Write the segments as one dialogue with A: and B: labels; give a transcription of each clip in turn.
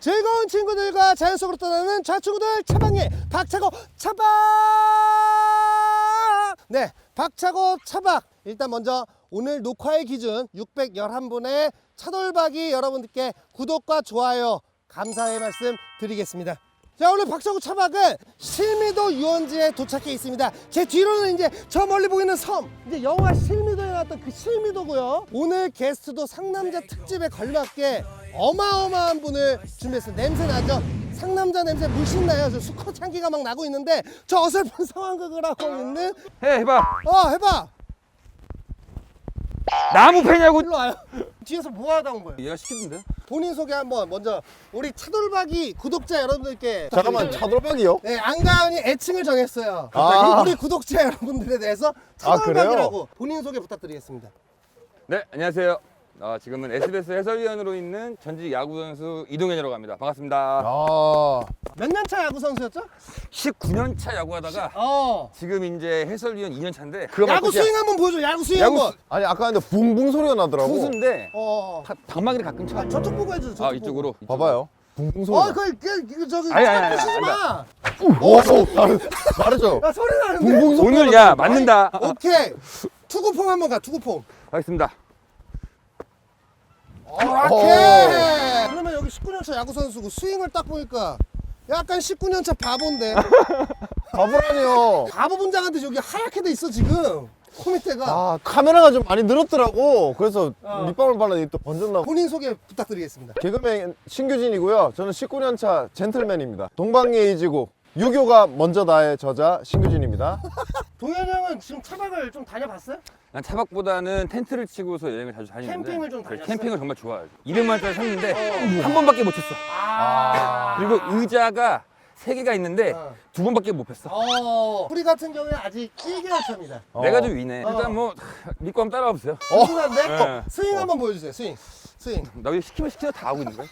A: 즐거운 친구들과 자연 속으로 떠나는 좌충우돌 차박여행 박차고 차박. 네, 박차고 차박. 일단 먼저 오늘 녹화의 기준 611분의 차돌박이 여러분들께 구독과 좋아요 감사의 말씀 드리겠습니다. 자, 오늘 박차고 차박은 실미도 유원지에 도착해 있습니다. 제 뒤로는 이제 저 멀리 보이는 섬, 이제 영화 실미도에 나왔던 그 실미도고요. 오늘 게스트도 상남자 특집에 걸맞게 어마어마한 분을 준비했어요. 냄새 나죠? 상남자 냄새 물씬 나요. 저 수컷 향기가 막 나고 있는데 저 어설픈 상황극을 하고 있는
B: 해봐.
A: 해봐.
B: 나무 패냐고.
A: 일로 와요. 뒤에서 뭐 하다 온 거예요?
B: 얘가 시키던데?
A: 본인 소개 한번 먼저 우리 차돌박이 구독자 여러분들께.
C: 잠깐만, 차돌박이요?
A: 네, 안가은이 애칭을 정했어요.
C: 아.
A: 우리 구독자 여러분들에 대해서
C: 아,
A: 차돌박이라고
C: 그래요?
A: 본인 소개 부탁드리겠습니다.
B: 네, 안녕하세요. 지금은 SBS 해설위원으로 있는 전직 야구 선수 이동현이라고 합니다. 반갑습니다.
C: 아,
A: 몇 년 차 야구 선수였죠?
B: 19년 차 야구하다가 지금 이제 해설위원 2년 차인데
A: 야구 스윙 한번 보여줘. 야구 스윙
B: 야구
A: 한번.
C: 아니 아까 근데 붕붕 소리가 나더라고.
B: 투수인데
A: 어.
B: 방망이를 가끔 쳐.
A: 저쪽 보고 해줘. 저쪽
B: 이쪽으로.
C: 봐봐요. 붕붕 소리.
A: 저기
B: 아니,
A: 부시지 마.
C: 오, 다르죠?
A: 야, 소리 나는데.
C: 붕붕 소리.
B: 오늘 야 맞는다.
A: 오케이. 투구폼 한번 가. 투구폼.
B: 하겠습니다.
A: 오케이. 그러면 여기 19년 차 야구 선수고 스윙을 딱 보니까 약간 19년 차 바보인데.
C: 바보라니요.
A: 바보 분장한테 여기 하얗게 돼 있어 지금. 코 밑에가.
C: 아, 카메라가 좀 많이 늘었더라고. 그래서 밑밥을 발랐더니 또 번졌나.
A: 본인 소개 부탁드리겠습니다.
C: 개그맨 신규진이고요. 저는 19년 차 젠틀맨입니다. 동방예의지국 유교가 먼저다의 저자 신규진입니다.
A: 동현이 형은 지금 차박을 좀 다녀봤어요?
B: 난 차박보다는 텐트를 치고서 여행을 자주 다니는데
A: 캠핑을 좀 다녔어요?
B: 캠핑을 정말 좋아해요. 200만 원짜리 샀는데 한 번밖에 못 쳤어.
A: 아.
B: 그리고 의자가 3개가 있는데 2번밖에 못 폈어.
A: 우리 같은 경우에 아직 1개월 차입니다.
B: 내가 좀 위네. 일단 뭐 믿고 한번 따라와 보세요.
A: 궁금한데?
B: 네.
A: 스윙 한번 보여주세요. 스윙.
B: 나 왜 시키면 다 하고 있는 거야?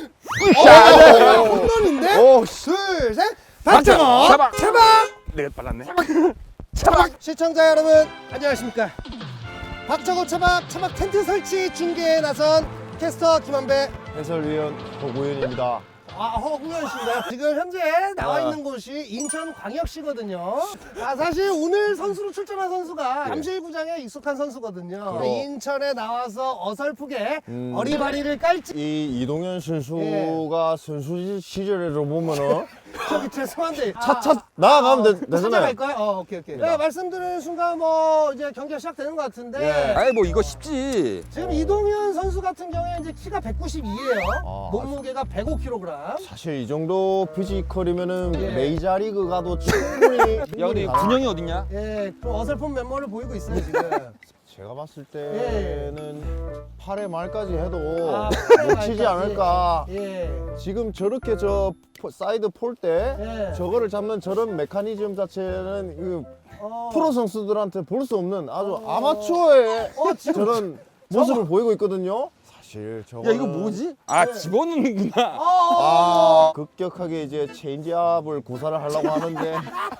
A: 홈런인데?
C: 오,
A: 둘, 셋.
B: 박차고
A: 박차고 차박.
B: 내가 빨랐네.
A: 차박. 시청자 여러분 안녕하십니까? 박차고 차박 텐트 설치 중계에 나선 캐스터 김한배.
C: 해설위원 허구현입니다.
A: 허구현 씨인가요? 지금 현재 나와 있는 곳이 인천광역시거든요. 사실 오늘 선수로 출전한 선수가 잠실구장에 익숙한 선수거든요. 인천에 나와서 어설프게 어리바리를 깔지.
C: 이 이동현 선수가 선수 시절에로 보면은
A: 저기 죄송한데
C: 차차 나아가면 되잖아요.
A: 찾아갈까요? 오케이. 네, 말씀드리는 순간 뭐 이제 경기가 시작되는 것 같은데
B: 아이 뭐 이거 쉽지.
A: 지금 이동현 선수 같은 경우에 이제 키가 192예요.
C: 아,
A: 몸무게가 105kg.
C: 사실 이 정도 피지컬이면은 메이저리그 가도 충분히
B: 야 근데 군형이 어딨냐?
A: 예, 좀 어설픈 면모를 보이고 있어요 지금.
C: 제가 봤을 때는 8회 말까지 해도
A: 팔회
C: 놓치지
A: 말까지.
C: 않을까.
A: 예.
C: 지금 저렇게 저 사이드 폴 때
A: 예.
C: 저거를 잡는 저런 메커니즘 자체는 이
A: 어.
C: 프로 선수들한테 볼 수 없는 아주 아마추어의
A: 지금
C: 저런 모습을 보이고 있거든요. 사실 저거
B: 야 이거 뭐지? 집어넣는구나.
C: 급격하게 이제 체인지업을 구사를 하려고 하는데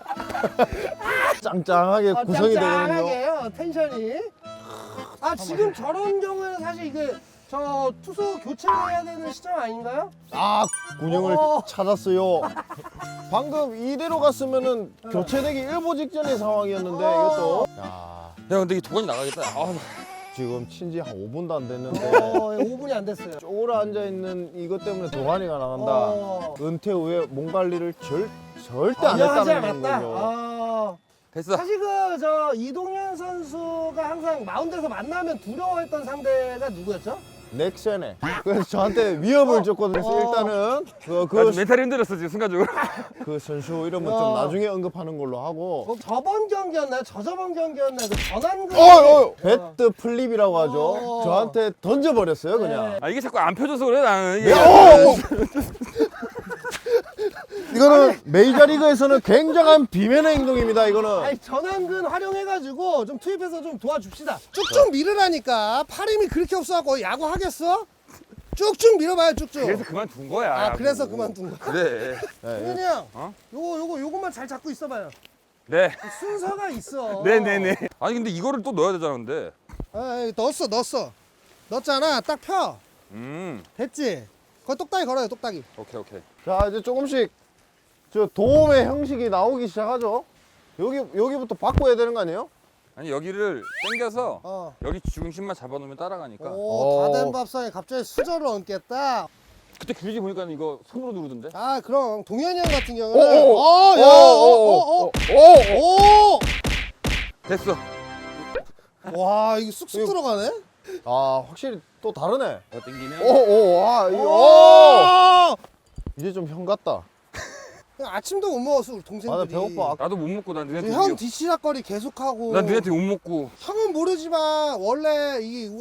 C: 짱짱하게 구성이 되거든요.
A: 짱짱하게요 텐션이. 지금 저런 경우에는 사실 이게 저 투수 교체를 해야 되는 시점 아닌가요?
C: 군형을
A: 어.
C: 찾았어요. 방금 이대로 갔으면은 교체되기 일보 직전의 상황이었는데 이것도
B: 야 근데 이 도관이 나가겠다.
C: 지금 친지 한 5분도 안 됐는데
A: 5분이 안 됐어요.
C: 쪼그려 앉아 있는 이것 때문에 도가니가 나간다. 은퇴 후에 몸 관리를 절대 안
A: 하지
C: 했다는
A: 않았다.
C: 거죠.
B: 됐어.
A: 사실 저 이동현 선수가 항상 마운드에서 만나면 두려워했던 상대가 누구였죠?
C: 넥센에. 그래서 저한테 위협을 줬거든요. 그래서 일단은
B: 나 멘탈이 흔들렸어 지금 순간적으로.
C: 그 선수 이름은 좀 나중에 언급하는 걸로 하고.
A: 저번 경기였나요? 저저번 경기였나요? 그 전환근.
C: 배트 플립이라고 하죠. 저한테 던져버렸어요, 그냥.
B: 이게 자꾸 안 펴져서 그래 나는. 이게.
C: 이거는 메이저리그에서는 굉장한 비면의 행동입니다, 이거는.
A: 전환근 활용해가지고 좀 투입해서 좀 도와줍시다. 쭉쭉 밀으라니까. 팔 힘이 그렇게 없어갖고 야구 하겠어? 쭉쭉 밀어봐요, 쭉쭉.
B: 그래서 그만둔 거야.
A: 그래서 그만둔 거야.
B: 그래.
A: 동현이 형, 요거만 잘 잡고 있어봐요.
B: 네.
A: 순서가 있어.
B: 네네네. 아니 근데 이거를 또 넣어야 되잖아 근데.
A: 넣었어. 넣었잖아. 딱 펴.
B: 음.
A: 됐지? 거기 똑딱이 걸어요, 똑딱이.
B: 오케이.
C: 자, 이제 조금씩 저 도움의 형식이 나오기 시작하죠. 여기부터 바꿔야 되는 거 아니에요?
B: 아니 여기를 당겨서
A: 어.
B: 여기 중심만 잡아놓으면 따라가니까.
A: 오, 다 된 밥상에 갑자기 수저를 얹겠다.
B: 그때 규지 보니까 이거 손으로 누르던데.
A: 아, 그럼 동현이 형 같은
C: 오,
A: 경우는
C: 오,
A: 야, 오.
C: 됐어.
A: 와, 이거 쑥쑥 들어가네.
C: 아, 확실히 또 다르네.
B: 더 당기면.
C: 와, 이거.
A: 오!
C: 이제 좀 형 같다.
A: 아침도 못 먹었어, 우리
C: 아, 나
A: 동생들이.
C: 배고파.
B: 나도 못 먹고 난 너네한테.
A: 형 뒤치락거리 계속하고.
B: 난 너네한테 못 먹고.
A: 형은 모르지만 원래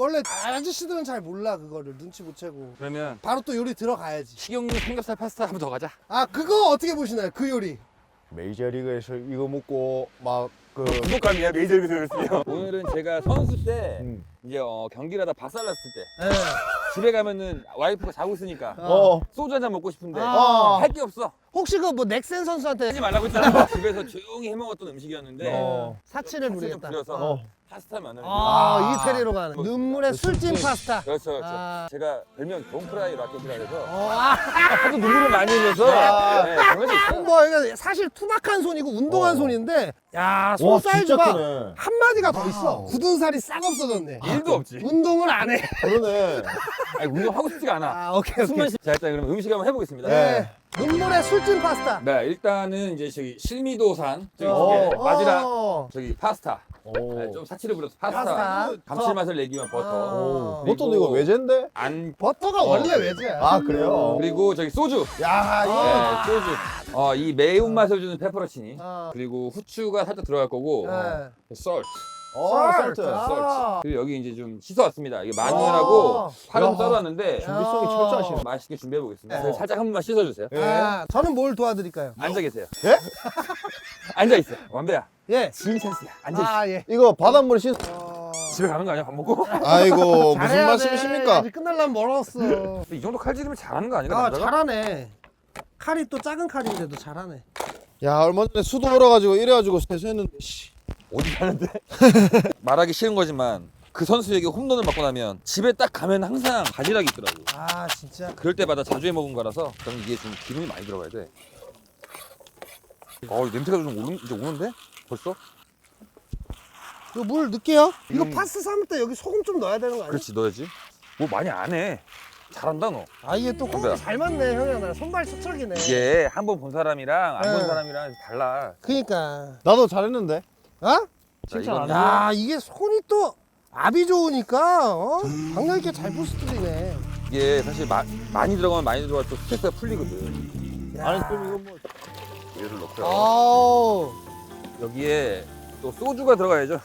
A: 아저씨들은 잘 몰라 그거를 눈치 못 채고.
B: 그러면
A: 바로 또 요리 들어가야지.
B: 식용유 삼겹살 파스타 한 번 더 가자.
A: 아, 그거 어떻게 보시나요? 그 요리.
C: 메이저리그에서 이거 먹고 막
B: 구독감이야 메이저리그 들었으면. 오늘은 제가 선수 때
C: 음.
B: 이제 경기를 하다 박살났을 때
A: 네.
B: 집에 가면은 와이프가 자고 있으니까 소주 한 잔 먹고 싶은데
A: 아.
B: 할 게 없어.
A: 혹시 그 뭐 넥센 선수한테
B: 하지 말라고 했잖아. 집에서 조용히 해먹었던 음식이었는데
A: 사치를
B: 사치를
A: 부리겠다.
B: 부려서 파스타 마늘.
A: 이태리로 가는 눈물의 술찜 파스타.
B: 그렇죠.
A: 아.
B: 제가 별명 돈프라이 라켓이라 해서
A: 아,
B: 하도 눈물을 많이 흘려서 네, 그런 게 있어요.
A: 뭐 이거 사실 투박한 손이고 운동한 손인데, 야, 손
C: 와, 진짜
A: 사이즈가
C: 크네.
A: 한 마디가 더 있어. 굳은 살이 싹 없어졌네.
B: 일도 없지.
A: 운동을 안 해.
C: 그러네.
B: 아니 운동하고 싶지가 않아.
A: 아, 오케이.
B: 숨만 쉬. 자 일단 그럼 음식 한번 해보겠습니다.
A: 네. 눈물의 술찜 파스타.
B: 네, 일단은 이제 저기 실미도산 저기
C: 어.
B: 저기 바지락
A: 어.
B: 저기 파스타.
C: 오.
B: 네, 좀 사치를 부려서 파스타.
A: 파스타.
B: 감칠맛을 내기 위한 버터.
A: 어.
C: 보통 이거 외제인데?
B: 안
A: 버터가 원래 외제야.
C: 아, 그래요?
B: 그리고 저기 소주.
A: 야, 이거.
B: 네, 소주. 이 매운맛을 주는 페퍼로치니.
A: 어.
B: 그리고 후추가 살짝 들어갈 거고.
A: 네.
B: 썰트.
C: 설트.
A: 아.
B: 그리고 여기 이제 좀 씻어왔습니다. 이게 마늘하고 파름
C: 야.
B: 썰어왔는데
C: 준비성이 철저하시네.
B: 맛있게 준비해 보겠습니다.
A: 네.
B: 살짝 한 번만 씻어주세요.
C: 예.
A: 아, 저는 뭘 도와드릴까요?
B: 앉아 계세요.
C: 예?
B: 앉아 있어. 완배야.
A: 예.
B: 지금 찬스야. 앉아 있어.
A: 아, 예.
C: 이거 바닷물에 씻.
B: 집에 가는 거 아니야? 밥 먹고?
C: 아이고, 무슨
A: 잘해야 돼.
C: 말씀이십니까?
A: 아직 끝날라면 멀었어.
B: 이 정도 칼질이면 잘하는 거 아닌가?
A: 아,
B: 남자가?
A: 잘하네. 칼이 또 작은 칼인데도 잘하네.
C: 야, 얼마 전에 수도 얼어가지고 이래가지고 세수했는데, 씨.
B: 어디 가는데? 말하기 싫은 거지만 그 선수에게 홈런을 맞고 나면 집에 딱 가면 항상 바지락이 있더라고.
A: 아, 진짜.
B: 그럴 때마다 자주 해 먹은 거라서 저는 이게 좀 기름이 많이 들어가야 돼. 이 냄새가 좀 이제 오는데? 벌써?
A: 이거 물 넣을게요. 이거 파스 삶을 때 여기 소금 좀 넣어야 되는 거 아니야?
B: 그렇지 넣어야지. 뭐 많이 안 해. 잘한다 너.
A: 아, 이게 또 호흡이 잘 맞네, 형이랑 나랑. 손발 수척이네.
B: 이게 한 번 본 사람이랑 안 본
A: 네.
B: 사람이랑 달라.
A: 그니까.
C: 나도 잘했는데.
A: 어?
C: 칭찬 안
A: 야, 이게 손이 또 압이 좋으니까, 강력 있게 잘 부스트리네.
B: 이게 사실 많이 들어가면 많이 들어가 또 스트레스가 풀리거든.
A: 야.
C: 아니, 그럼 이거 뭐.
B: 얘를 넣고요.
A: 아우.
B: 여기에 또 소주가 들어가야죠.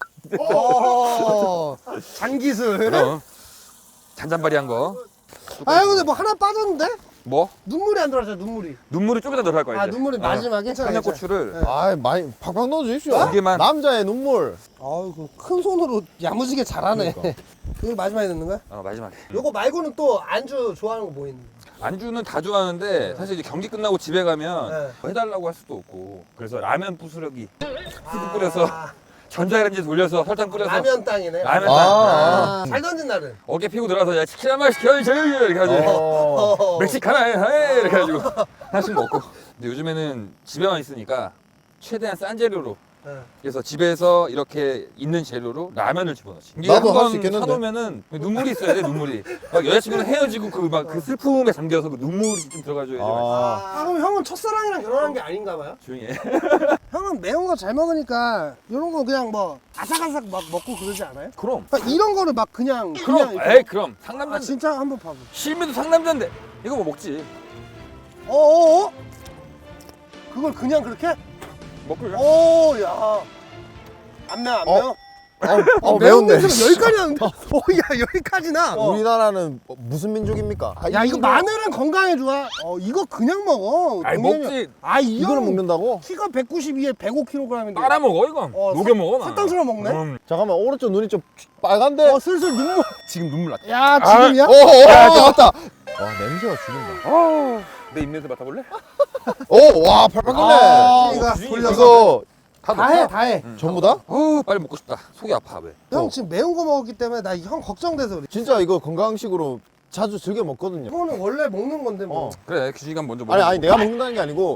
A: 장기술.
B: 그럼 잔잔바리한 거.
A: 아, 근데 뭐 하나 빠졌는데?
B: 뭐?
A: 눈물이 안 들어왔잖아, 눈물이.
B: 눈물이 좀 이따 들어갈 거야.
A: 아,
B: 이제.
A: 눈물이 마지막에? 괜찮아.
B: 청양고추를
A: 괜찮아.
C: 아이, 많이 팍팍 넣어주십시오.
B: 두 개만.
C: 남자의 눈물.
A: 아이고, 큰 손으로 야무지게 잘하네. 이거 마지막에 넣는 거야?
B: 마지막에.
A: 요거 말고는 또 안주 좋아하는 거 뭐 있는?
B: 안주는 다 좋아하는데 사실 이제 경기 끝나고 집에 가면
A: 네.
B: 뭐 해달라고 할 수도 없고 그래서 라면 부스러기 스프 뿌려서 전자레인지 돌려서 설탕 뿌려서
A: 라면 땅이네.
B: 라면
C: 아.
A: 잘 던진 날은?
B: 어깨 피고 들어가서 야 치킨 한 마리 시켜야지 이렇게 하지. 멕시카나 해 이렇게 해가지고 하나씩 먹고. 근데 요즘에는 집에만 있으니까 최대한 싼 재료로.
A: 네.
B: 그래서 집에서 이렇게 있는 재료로 라면을 집어넣지. 이게
C: 나도 할수
B: 한번
C: 있겠는데.
B: 사놓으면은 눈물이 있어야 돼, 눈물이. 막 여자친구랑 헤어지고 그 슬픔에 잠겨서 그 눈물이 좀 들어가줘야지.
A: 아, 그럼 형은 첫사랑이랑 결혼한 게 아닌가 봐요?
B: 조용히 해.
A: 형은 매운 거 잘 먹으니까 이런 거 그냥 뭐 아삭아삭 막 먹고 그러지 않아요?
B: 그럼.
A: 그러니까 이런 거를 막 그냥
B: 그럼.
A: 이렇게-
B: 에이, 그럼.
A: 아,
B: 상남자인데.
A: 진짜 한번 봐봐.
B: 실미도 상남자인데. 이거 뭐 먹지.
A: 어어어? 그걸 그냥 그렇게?
B: 먹고 그냥.
A: 오, 야. 안 매워, 안 매워?
C: 매운데.
A: 매운 냄새가 여기까지 나는데? 야, 여기까지 나.
C: 우리나라는 무슨 민족입니까?
A: 야, 이거 마늘은 건강에 좋아. 이거 그냥 먹어.
B: 아이,
A: 동현이
B: 먹지.
A: 형. 아,
C: 이거를 먹는다고?
A: 키가 192에 105kg인데.
B: 빨아 먹어, 이건. 녹여 먹어, 나.
A: 사탕처럼 먹네?
C: 잠깐만, 오른쪽 눈이 좀 빨간데?
A: 슬슬 눈물.
B: 지금 눈물 났다.
A: 야, 지금이야?
C: 맞다. 와, 냄새가 죽인다.
B: 내 입냄새 맡아볼래?
C: 와, 팔팔 끓네.
A: 이거
B: 주인이
A: 돌려서.
C: 이거
A: 다 해, 다 해.
C: 전부 다?
B: 빨리 먹고 싶다. 속이 아파, 왜?
A: 형 지금 매운 거 먹었기 때문에 나 형 걱정돼서 그래.
C: 진짜 이거 건강식으로 자주 즐겨 먹거든요.
A: 이거는 원래 먹는 건데 뭐.
B: 그래 규진이가 먼저 먹어.
C: 아니 내가 먹는다는 게 아니고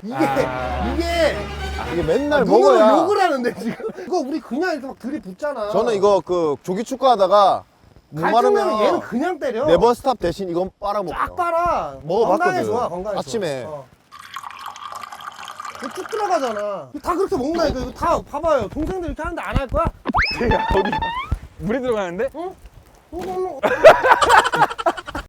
C: 이게 맨날
A: 누구를
C: 먹어야.
A: 욕을 하는데 지금. 이거 우리 그냥 이렇게 막 들이붓잖아.
C: 저는 이거 그 조기 축구하다가 못
A: 갈증나면
C: 마르면
A: 얘는 그냥 때려.
C: 네버스탑 대신 이건
A: 쫙
C: 빨아먹어요.
A: 빨아.
C: 먹어봤거든.
A: 건강에 좋아, 건강에
C: 아침에.
A: 좋아. 이거 쭉 들어가잖아. 다 그렇게 먹는다니까. 이거 다 봐봐요. 동생들 이렇게 하는데 안 할 거야?
B: 어디 물에 들어가는데?
A: 응?